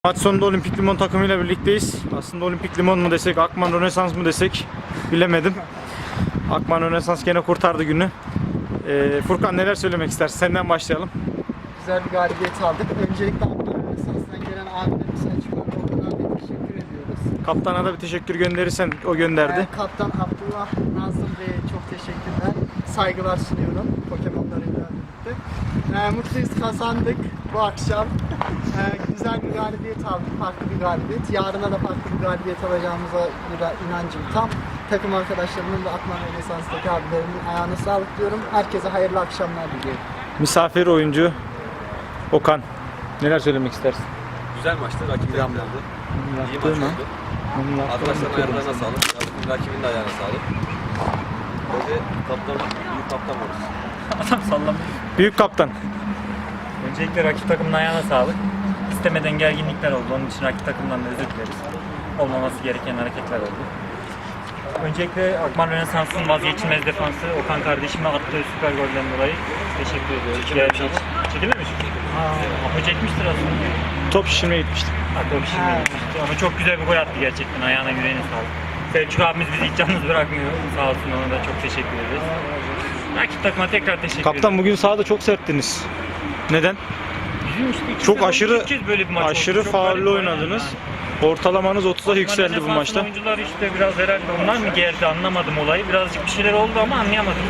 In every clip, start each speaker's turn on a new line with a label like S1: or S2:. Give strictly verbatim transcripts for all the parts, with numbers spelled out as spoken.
S1: Maç sonunda Olimpik Limon takımıyla birlikteyiz. Aslında Olimpik Limon mu desek, Akman Rönesans mı desek bilemedim. Akman Rönesans gene kurtardı günü. Ee, Furkan neler söylemek istersin? Senden başlayalım.
S2: Güzel bir galibiyet aldık. Öncelikle Akman Rönesans'tan gelen abilerimize Selçuk'a teşekkür ediyoruz.
S1: Kaptana da bir teşekkür gönderirsen o gönderdi.
S2: Ee, Kaptan Abdullah Nazım Bey'e çok teşekkürler. Saygılar sunuyorum Pokemon'larıyla birlikte. Ee, mutluyuz, kazandık bu akşam. Ee, güzel bir galibiyet aldık, farklı bir galibiyet. Yarına da farklı bir galibiyet alacağımıza bir inancım tam. Takım arkadaşlarımın ve Akman Rönesans'taki abilerimin ayağına sağlık diyorum. Herkese hayırlı akşamlar diliyorum.
S1: Misafir oyuncu Okan. Neler söylemek istersin?
S3: Güzel maçtı, rakip de güzeldi. İyi maç oldu. Arkadaşların ayarlarına sağlık, rakibin de ayağına sağlık. Böyle kaptan, büyük kaptan oluruz.
S4: Adam sallamıyor.
S1: Büyük kaptan.
S4: Öncelikle rakip takımın ayağına sağlık. İstemeden gerginlikler oldu. Onun için rakip takımdan da özür dileriz. Olmaması gereken hareketler oldu. Öncelikle Akman Rönesans'ın vazgeçilmez defansı Okan kardeşime attığı süper golden dolayı teşekkür ediyoruz. Çekilmemiş. Çekilmemiş. Ama çekmiştir aslında.
S1: Top şişirmeye gitmiştik.
S4: Ha, top şimdi gitmişti. Ama çok güzel bir gol attı gerçekten. Ayağına yüreğine sağlık. Selçuk abimiz bizi hiç yalnız bırakmıyor. Sağ olsun, ona da çok teşekkür ederiz. Rakip takıma tekrar teşekkür ederim.
S1: Kaptan bugün sahada çok serttiniz. Neden?
S4: Bizim işte iki
S1: Çok
S4: sezon
S1: aşırı
S4: ilk kez böyle bir maç oldu.
S1: aşırı
S4: Çok
S1: faullü
S4: garip
S1: oynadınız.
S4: yani.
S1: Ortalamanız otuza yükseldi bu
S4: Rönesans'ın
S1: maçta.
S4: Oyuncular işte biraz herhalde onlar mı gerdi, anlamadım olayı. Birazcık bir şeyler oldu ama anlayamadım.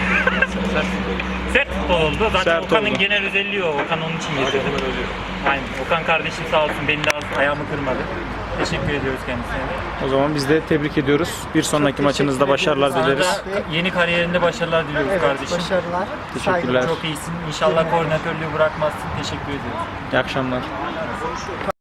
S4: Sert futbol oldu. Zaten
S1: Sert
S4: Okan'ın
S1: oldu.
S4: genel özelliği o. Okan onun için
S3: Hadi
S4: getirdi.
S3: hemen ölüyor.
S4: Aynen. Okan kardeşim sağ olsun, beni de az ayağımı kırmadı. Teşekkür ediyoruz kendisine de.
S1: O zaman biz de tebrik ediyoruz. Bir sonraki
S2: Çok
S1: maçınızda
S2: teşekkür
S1: başarılar
S2: ediyoruz.
S1: dileriz.
S4: Sana da yeni kariyerinde başarılar diliyoruz
S2: Evet,
S4: kardeşim.
S2: başarılar.
S1: Teşekkürler.
S2: Saygılar.
S4: Çok iyisin. İnşallah koordinatörlüğü bırakmazsın. Teşekkür ediyoruz.
S1: İyi akşamlar.